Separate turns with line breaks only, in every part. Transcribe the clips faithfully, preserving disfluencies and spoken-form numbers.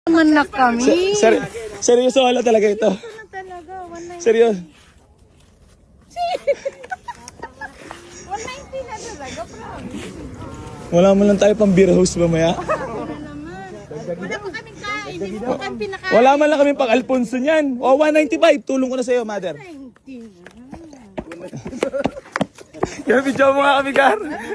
Naman na kami.
Ser seryoso wala talaga ito.
Ano talaga? one ninety.
Seryoso.
one ninety na talaga, promise.
Wala mo lang tayo pang beer house mamaya.
Wala naman. Wala pa kaming kain. Hindi mo pa kami pinakain.
Wala man lang kami pang Alfonso niyan. O, one ninety-five. Tulong ko na sa'yo, mother.
ninety.
Kaya video mo nga kami, Gar.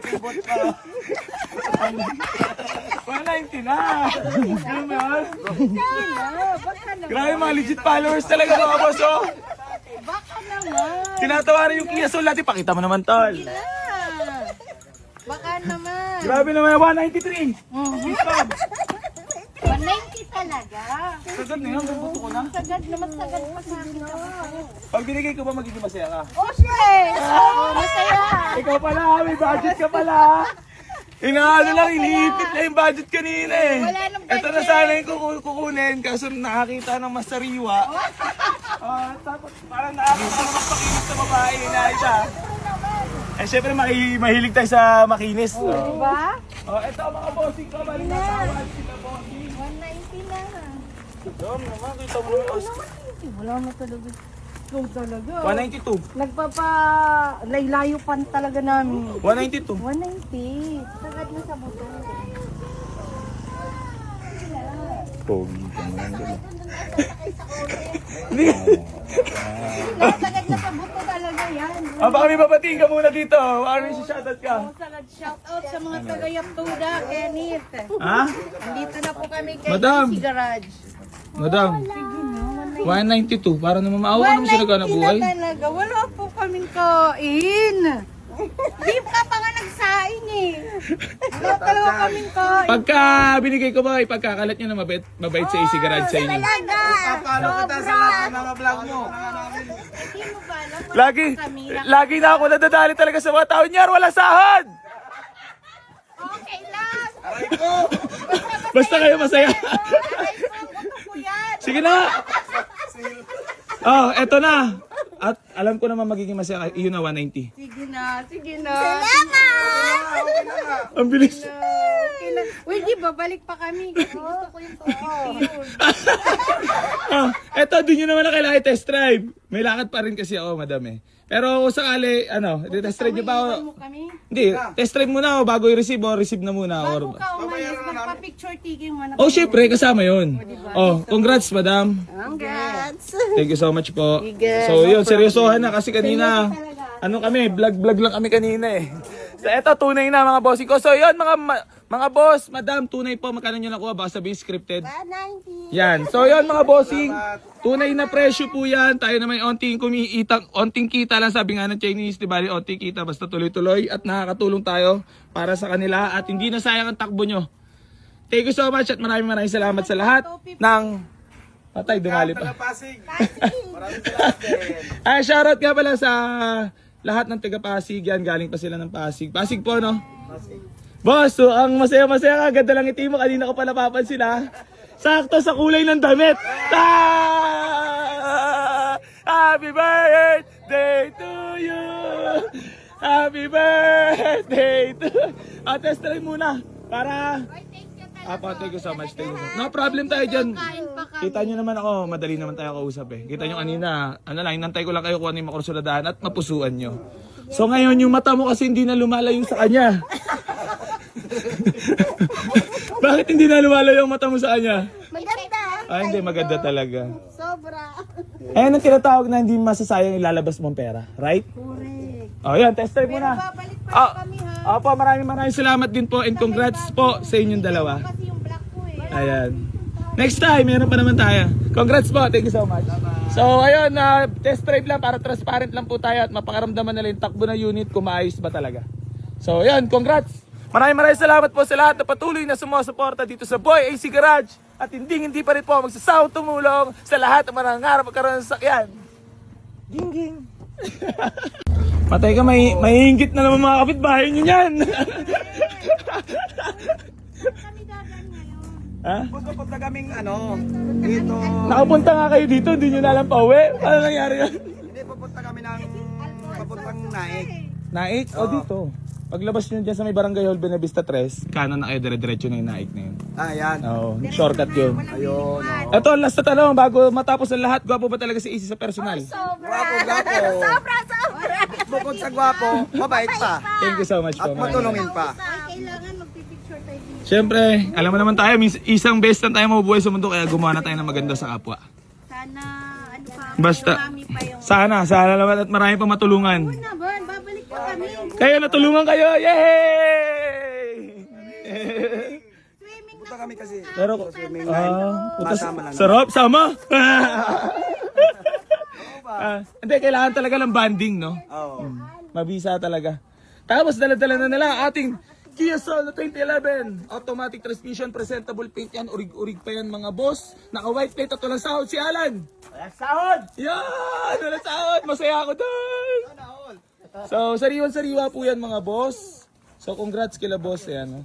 one ninety na. Ano mo yun?
Baka naman.
Grabe, mga legit followers talaga mga boss, oh.
Baka naman.
Tinatawaran yung Kia Soul natin. Pakita mo naman, tol.
Ah, Baka naman.
Grabe naman, one ninety-three.
one ninety talaga.
Sagad na yun, buto ko na.
Sagad naman, sagad pa sa akin ako.
Pag binigay ko ba, magiging masaya ka?
Oh, shit! Oh, masaya.
Ikaw pala, may budget ka pala. Inaano lang, iniipit na yung budget kanina eh.
Wala nang budget.
Ito na sana yung kuku- kukunin, kaso nakakita ng masariwa. Ah, tapos parang nakakita ng makinis sa babae, inaita. Eh syempre mahi- mahilig tayo sa makinis. Oh,
Diba?
oh ito mga bossing ko, balik na tawad sila bossing.
one ninety na.
Dom naman, kita mo naman.
Wala na talaga. Ikaw talaga.
one ninety-two.
Nagpapa laylayo pan talaga namin.
one ninety-two.
one ninety. Sagad na sa buto.
Pogi ka naman dun.
Sagad na sa buto talaga yan.
Ah, baka may babatiin ka muna dito. Ano yung shoutout ka?
Sagad shout out sa mga taga-Yaptuda, Kenneth.
Ha?
Andito na po kami kay
Madam.
Easy Garage.
Madam, one ninety-two. Para naman maawa naman sila ka na buhay.
na talaga. Wala po kaming kain. Di ka pa nga nagsaing eh. Wala talaga kaming kain.
Pagka binigay ko ba, ipagkakalat nyo na mabait, mabait sa Easy Garage sa inyo.
Talaga.
Paano kita sa lahat ng mga vlog mo?
Hindi mo ba alam? Wala
Lagi,
po kami na-
lagi na ako nadadali talaga sa mga tao niya. Wala sahod!
Okay lang.
Basta kayo masaya.
Aray ko, buto ko yan.
Sige na. Oh, eto na. At alam ko naman magiging masaya kayo. Yun na, one ninety.
Sige na, sige na. Salamat!
Ang bilis.
Okay na. Uy, di ba? Balik pa kami. Kasi gusto ko yung totoo.
Ah, eto, doon nyo naman na kailangan test drive. May lakad pa rin kasi ako, madam eh. Pero kung sakali, ano, test drive nyo ba ako?
mo kami.
Hindi, test drive muna ako bago i-receive o receive na muna.
Bago
Or...
ka umalis, magpa-picture taking mo na.
Oh, syempre, kasama yun. Oh, congrats, madam.
Congrats!
Thank you so much po.
Sige.
So yun, seryosohan na kasi kanina, ano kami, vlog-vlog lang kami kanina eh. So eto, tunay na mga bossing ko. So yun, mga ma- mga boss, madam, tunay po, magkano nyo nakuha, baka sabihin scripted.
one ninety.
Yan. So yun mga bossing, tunay na presyo po yan. Tayo naman onting kumiitang, onting kita lang sabi nga ng Chinese, di ba? Onting kita, basta tuloy-tuloy at nakakatulong tayo para sa kanila at hindi na sayang ang takbo nyo. Thank you so much at maraming maraming salamat sa lahat ng... Patay, dumali pa.
Pasig.
Ay, shoutout nga pala sa lahat ng taga Pasig. Yan, galing pa sila ng Pasig. Pasig po, no? Boss, so ang masaya-masaya ka. Ganda lang iti mo. Kanina ko pa napapansin, ha? Sakto sa kulay ng damit. Ah! Happy birthday to you! Happy birthday to... Ah, test try muna. Para... Apo, thank you so much. Thank you so much. No problem tayo dyan. Kita nyo naman ako, madali naman tayo kausap eh. Kita nyo kanina, ano lang, inantay ko lang kayo kung ano yung makursuladaan at mapusuan nyo. So ngayon, yung mata mo kasi hindi na lumalayo sa kanya. Bakit hindi na lumalayo yung mata mo sa kanya?
Maganda.
Ah, hindi, maganda talaga.
Sobra.
Ayan ang tinatawag na hindi masasayang ilalabas mong pera, right?
Correct.
Oh, yan, test drive muna.
Babalik pa
Ah,
kami ha.
Opo, maraming maraming salamat din po and congrats po sa inyong dalawa.
Kasi yung black ko eh.
Ayan. Next time, meron pa naman tayo. Congrats po. Thank you so much. So, ayun, uh, test drive lang para transparent lang po tayo at mapakaramdaman nila yung takbo ng unit kung maayos ba talaga. So, ayun, congrats. Maraming maraming salamat po sa lahat na patuloy na sumusuporta dito sa Boy A C Garage. At hindi hindi pa rin po magsasawang tumulong sa lahat ng manangarap magkaroon ng sakyan. Ging-ging. Patay ka, may, may inggit na naman mga kapitbahay nyo yan.
Kami dadan ngayon.
Ha?
Gusto po na kaming ano, dito.
Nakapunta nga kayo dito, hindi nyo na alam pa uwi. Paano nangyari yun?
Hindi, pupunta kami ng papuntang Naik.
Naik? O dito. O Paglabas nyo dyan sa may Barangay Hall Benavista tres, kanan na kayo, dire-diretso na yung naik na yun.
Ah, yan.
Oo, shortcut yun.
Ayun. oh.
Ito, last na tanong, bago matapos ang lahat, gwapo ba talaga si A C sa personal?
Gwapo, gwapo.
Sobra, sobra.
Bukod sa gwapo, mabait pa.
Thank you so much
At
po.
matulungin pa.
Ay, kailangan magpipicture tayo dito.
Siyempre, alam mo naman tayo, mis- isang best lang tayo mabubuhay sa mundo, kaya gumawa na tayo ng maganda sa kapwa.
Sana, ano pa,
Basta,
marami pa yung...
sana, sana naman at marami pa matulungan.
Na ba, babalik pa kami.
Kayo, natulungan kayo! Yay!
Swimming
Punta kami kasi.
Pero,
Swimming
ah,
line.
puta,
Masama lang.
sarap, sama! Ah, hindi, kailangan talaga ng banding, no?
Oo.
Mabisa talaga. Tapos dala-dala na nila ang ating Kia Soul na twenty eleven. Automatic transmission, presentable paint yan. Urig-urig pa yan mga boss. Naka-white plate at walang sahod si Alan.
Walang sahod!
Yan! Walang sahod! Masaya ako doon! So, sariwan-sariwa po yan mga boss. So, congrats kila boss. Ayan, oh.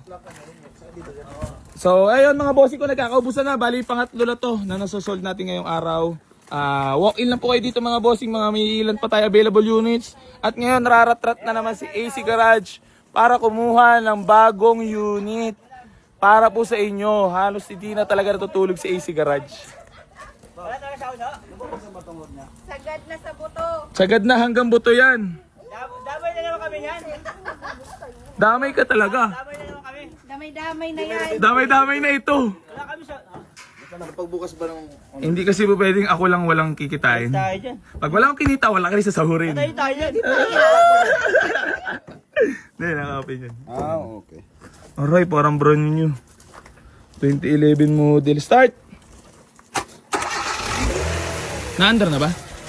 So, ayun mga bossing ko, nagkakaubusan na. Bali, pangatlo na to na nasosold natin ngayong araw. Ah, walk-in lang po kayo dito mga bossing, mga may ilan pa tayo available units. At ngayon, nararatrat na naman si A C Garage para kumuha ng bagong unit para po sa inyo. Halos hindi na talaga natutulog si A C Garage.
sagad na sa buto.
Sagad na hanggang buto yan.
Damay na naman kami yan.
Damay ka talaga.
Damay na naman kami.
Damay-damay na yan.
Damay-damay na ito.
Wala kami sa... Nakapagbukas ba ng...
Hindi kasi po pwedeng ako lang walang kikitain.
Tayo dyan.
Pag wala akong kinita, wala ka rin sasahurin.
Tayo tayo dyan.
Hindi, naka-open yun.
Ah, okay.
Aray, parang brand new. twenty eleven model. Start! Na-under na ba?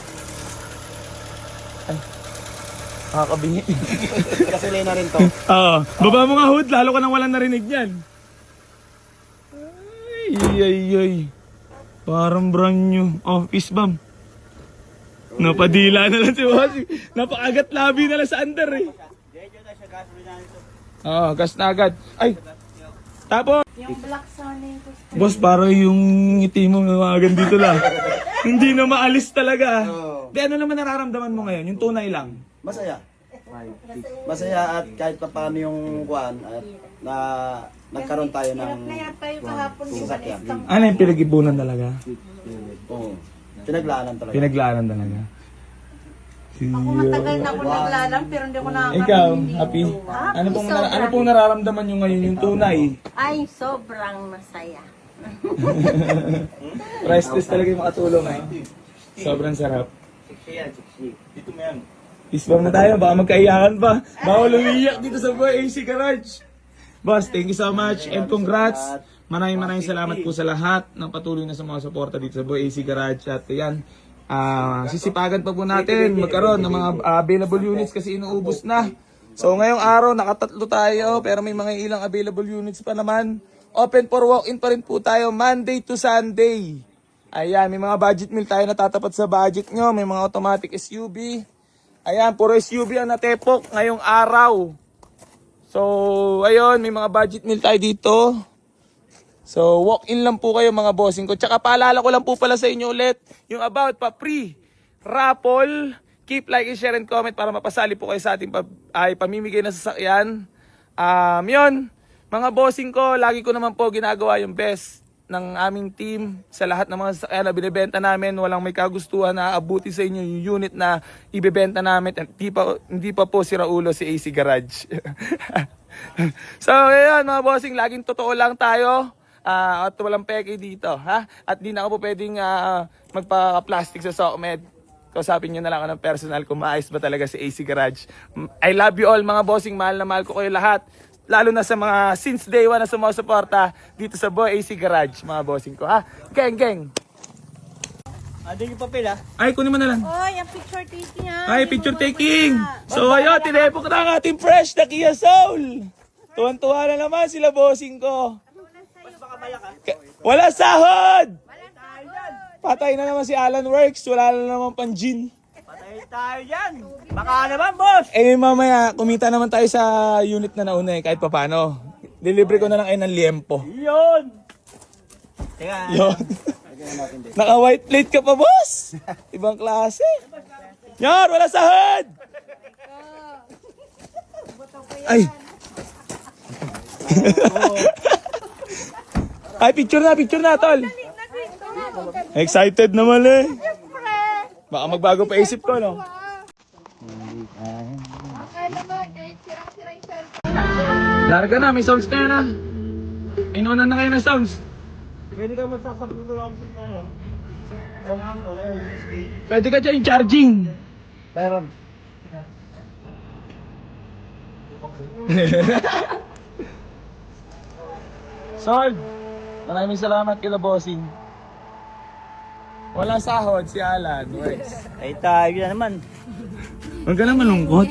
Ay. Nakakabingi.
Kasi na rin to.
Oo. Baba mo nga hood, lalo ka nang walang narinig niyan. Ay, ay, ay. Parang brand new. Oh, fist bump. Napadila na lang si Bossy. Napakagat labi na lang sa under eh. Oo, gas na agad. Ay! Tapos,
Yung black Sonic.
boss, parang yung ngiti mo namagan dito lang. Hindi na maalis talaga.
Oo.
Di, ano naman nararamdaman mo ngayon? Yung tunay lang.
Masaya. Masaya at kahit pa paano yung kuan at na nagkaroon tayo ng
Hirap na yan tayo kahapon yung
sasakyan.
malis.
Ano yung pinag-ipunan talaga?
Oo. Pinaglaanan talaga.
Pinaglaanan talaga.
Ako matagal na ako naglalang pero hindi ko nakakarinig.
Ikaw, happy? Ano pong, nara- ano pong nararamdaman nyo ngayon yung tunay?
Ay, sobrang masaya.
Priceless talaga yung makatulong eh. Sobrang sarap.
sixty yan, sixty. Dito mo yan.
Isbang na tayo, baka magkaiyakan pa. Bawal umiiyak dito sa Boy A C Garage. Boss, thank you so much and congrats. Maraming maraming salamat po sa lahat ng patuloy na sa mga suporta dito sa Boy A C Garage. At yan, ah, sisipagan pa po natin magkaroon ng mga ah, available units kasi inuubos na. So ngayong araw, nakatatlo tayo pero may mga ilang available units pa naman. Open for walk-in pa rin po tayo Monday to Sunday. Ayan, may mga budget meal tayo na tatapat sa budget nyo. May mga automatic S U V. Ayan, puro S U V ang natepok ngayong araw. So, ayun, may mga budget meal tayo dito. So, walk-in lang po kayo mga bossing ko. Tsaka paalala ko lang po pala sa inyo ulit, yung about pa pre raffle. Keep like, share, and comment para mapasali po kayo sa ating pa, ay, pamimigay na sasakyan. Um, yun, mga bossing ko, lagi ko naman po ginagawa yung best ng aming team sa lahat ng mga sasakyan na binibenta namin. Walang may kagustuhan na aabuti sa inyo yung unit na ibebenta namin. Hindi pa, hindi pa po si Raulo si A C Garage. So, ayun mga bossing, laging totoo lang tayo. Uh, at walang peke dito. Ha? At di na ako po pwedeng uh, magpa-plastic sa SOCMED. Kausapin nyo na lang ako ng personal kung maayos ba talaga si A C Garage. I love you all mga bossing. Mahal na mahal ko kayo lahat. Lalo na sa mga since day one na sumusuporta dito sa Boy A C Garage, mga bossing ko. Ha? Geng, geng.
Andun yung papel ah.
Ay, kunin mo na lang.
Oy, ang picture taking ha.
Ay, picture taking. So, ayun, tinepok na ang ating fresh na Kia Soul. Tuwan-tuwa na naman sila bossing ko. Ka- Wala sahod! Patay na naman si Alan Works. Wala na naman pang gin.
Patay tayo dyan. Baka naman boss.
Eh, mamaya, kumita naman tayo sa unit na nauna eh, kahit papano. Delivery ko na lang kayo ng liempo.
Yun. Teka.
Yun. Naka-white plate ka pa, boss. Ibang klase. Yan, wala sahod!
Buto ko
Ay! Ay, picture na, picture na, tol. Excited naman eh. Baka magbago pa isip ko, no? Larga na, may sounds na yan, ah. Inunan na kayo ng sounds.
Pwede ka magsasabot lang sa ano.
Pwede ka dyan yung charging.
Meron.
Sold! Maraming salamat kila bossing. Wala sahod si Alan. Works.
Ay tayo na naman.
Huwag ka na malungkot.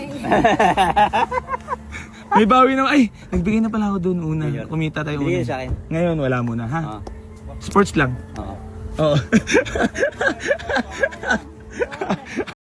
May bawi naman. Ay, nagbigay na pala ako doon una. Kumita tayo una.
Bigay sa akin.
Ngayon, wala muna, ha?
Oo.
Sports lang.
Oo.
Oo.